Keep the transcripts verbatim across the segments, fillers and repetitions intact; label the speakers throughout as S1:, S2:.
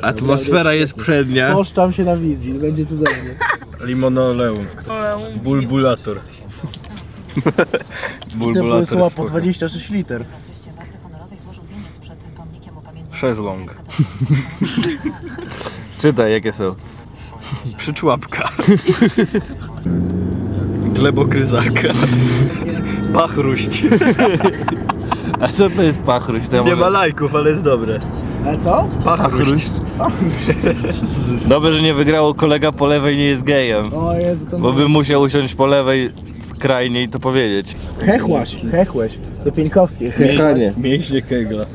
S1: Atmosfera jest przednia.
S2: Poszczam się na wizji, będzie cudownie.
S1: Limonoleum. Bulbulator.
S2: Bulbulator słowa po dwadzieścia sześć liter.
S1: Szezlong. Czytaj jakie są. Przyczłapka. Glebokryzarka. Pachruść.
S3: A co to jest pachruść? To ja
S1: Nie
S3: może...
S1: ma lajków, ale jest dobre.
S2: Ale co?
S1: Pachruść.
S3: Dobrze, że nie wygrało kolega po lewej, nie jest gejem.
S2: O Jezu, to
S3: Bo bym musiał usiąść po lewej skrajnie i to powiedzieć.
S2: Hechłaś, hechłeś. To Pieńkowskie.
S3: Hechanie.
S1: Mięśnie kegla.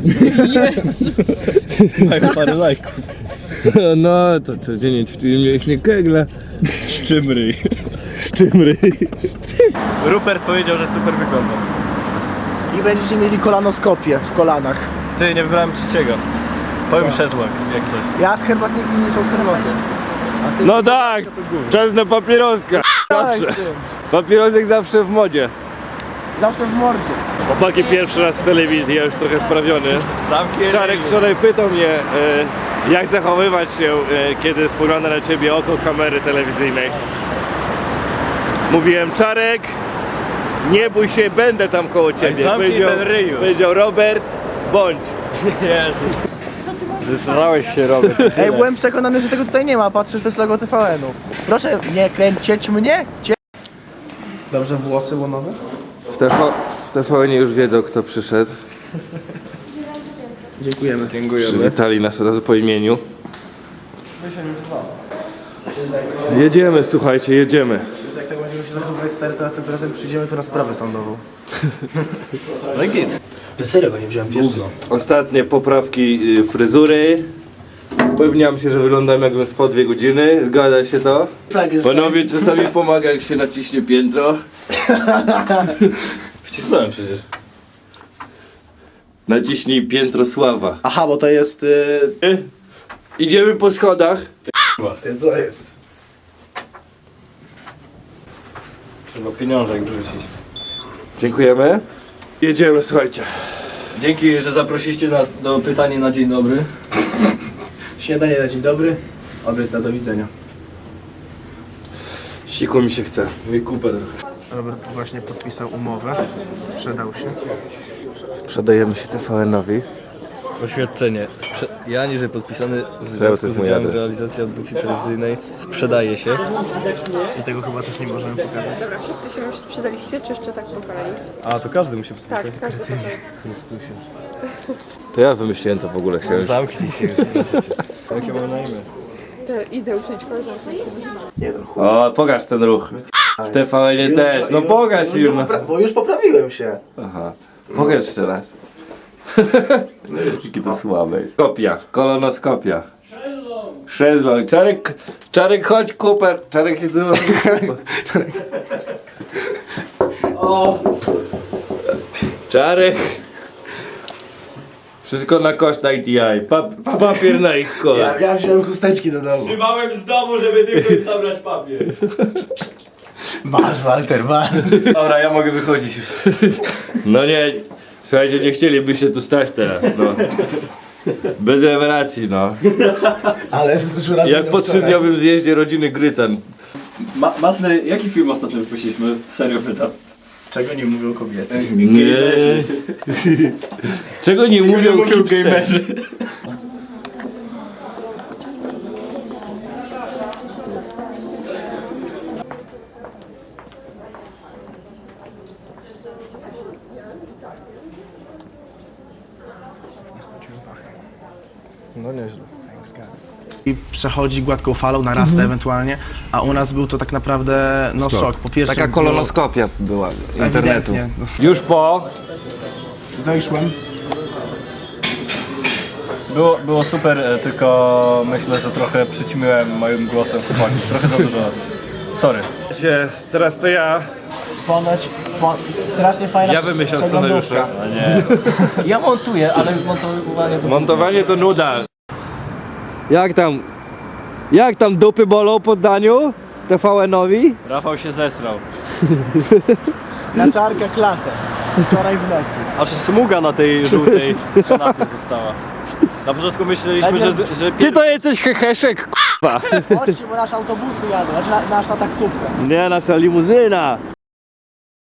S1: Mają parę lajków.
S3: No, to codziennie ćwiczymy mięśnie kegla.
S1: Szczymryj.
S3: Szczymry.
S1: Rupert powiedział, że super wygląda.
S2: I będziecie mieli kolanoskopię w kolanach.
S1: Ty, nie wybrałem trzeciego. Powiem szezlong, jak coś.
S2: Ja z herbatniki nie są z herbaty. A ty
S3: No tak! Czas na papieroska!
S2: dawaj
S3: Zawsze.
S2: z tym.
S3: Papierosek zawsze w modzie.
S2: Zawsze w mordzie.
S3: Chłopaki pierwszy raz w telewizji, ja już trochę wprawiony.
S1: Zamknięty.
S3: Czarek wczoraj pytał mnie, e, jak zachowywać się, e, kiedy spogląda na ciebie oko kamery telewizyjnej. Mówiłem, Czarek, nie bój się, będę tam koło ciebie.
S1: zamknij ten ryj już.
S3: Powiedział Robert, bądź.
S1: Jezus. Zesrałeś się, Robert.
S2: Ej, byłem przekonany, że tego tutaj nie ma, a patrzysz, to jest logo T V N-u. Proszę nie kręcić mnie. Cie... Dobrze, włosy łonowe?
S3: W, TV, w T V N już wiedzą, kto przyszedł.
S2: Dziękujemy.
S3: Przywitali nas od razu po imieniu. Jedziemy, słuchajcie, jedziemy.
S2: Jak tak będziemy się zachowywać stary, to następnym razem przyjdziemy tu na sprawę sądową.
S1: No i git.
S2: Serio go nie wziąłem pierwszy.
S3: Ostatnie poprawki y, fryzury. Upewniam się, że wyglądam jakbym spał dwie godziny. Zgadza się to?
S2: Tak jest.
S3: Panowie, czasami pomaga, jak się naciśnie piętro.
S1: Wcisnąłem przecież.
S3: Naciśnij piętro sława.
S2: Aha, bo to jest... Yy...
S3: Idziemy po schodach.
S2: Ty, co jest?
S1: Trzeba pieniążek wrzucić.
S3: Dziękujemy. Jedziemy, słuchajcie.
S1: Dzięki, że zaprosiliście nas do pytania na dzień dobry.
S2: Śniadanie na dzień dobry. Obiad na do widzenia.
S3: Siku mi się chce.
S1: Mi kupę trochę.
S2: Robert właśnie podpisał umowę. Sprzedał się.
S3: Sprzedajemy się T V N-owi.
S1: Oświadczenie. Sprze ja niżej podpisany w
S3: to
S1: związku
S3: jest
S1: z
S3: mój
S1: udziałem w
S3: adres.
S1: realizacji audycji telewizyjnej sprzedaje się.
S2: I tego chyba też nie możemy pokazać.
S4: Dobra, wszyscy się już sprzedaliście, czy jeszcze tak po kolei?
S1: A, to każdy musi podpisać.
S4: Tak, każdy po kolei.
S3: To ja wymyśliłem to w ogóle, chciałem.
S1: Zamknij się już. Jakie mam na imię?
S4: To idę uczyć koleżanki.
S2: Nie no, chuj.
S3: O, pokaż ten ruch. W T V N-ie też. No pokaż im. No.
S2: Bo już poprawiłem się.
S3: Aha. Pokaż jeszcze raz. Jakie to słabe jest. Kopia, kolonoskopia. Szezlong. Czarek, Czarek, chodź Cooper. Czarek jest dużo. Czarek. Wszystko na koszt I T I. Pa, papier na ich koszt.
S2: Ja, ja wziąłem chusteczki do domu.
S1: Trzymałem z domu, żeby tylko im zabrać papier.
S2: Masz, Walter, masz.
S1: Dobra, ja mogę wychodzić już.
S3: No nie, słuchajcie, nie chcielibyście tu stać teraz, no. Bez rewelacji, no.
S2: Ale z żurawiem
S3: Jak po trzydniowym zjeździe rodziny Grycan.
S1: Ma Masny, jaki film ostatnio wypuściliśmy? Serio pytam.
S2: Czego nie mówią kobiety?
S3: Nie. Czego nie mówią hipsterzy?
S1: No nieźle.
S2: I przechodzi gładką falą, narasta
S5: Mhm.
S2: ewentualnie, a u nas był to tak naprawdę no szok. Po pierwsze
S5: Taka kolonoskopia była
S2: było
S5: internetu.
S2: ewidentnie, no,
S3: Już po.
S2: dojszłem.
S1: Było, było super, e, tylko myślę, że trochę przyćmiłem moim głosem chłopaków. Trochę za dużo. Sorry.
S3: Teraz to ja.
S2: Ponoć, po, strasznie fajna
S3: Ja wymyślam
S2: przeglądówka.
S3: scenariusze.
S1: A nie.
S2: Ja montuję, ale montowanie to...
S3: Montowanie to nuda. Jak tam? Jak tam dupy bolą po daniu T V N-owi?
S1: Rafał się zesrał.
S2: Na czarkę klatę. Wczoraj w nocy.
S1: Aż smuga na tej żółtej kanapie została. Na początku myśleliśmy, że, że
S3: Ty to jesteś heheszek, k***a.
S2: Chodźcie, bo nasze autobusy jadą, znaczy na, nasza taksówka.
S3: Nie, nasza limuzyna.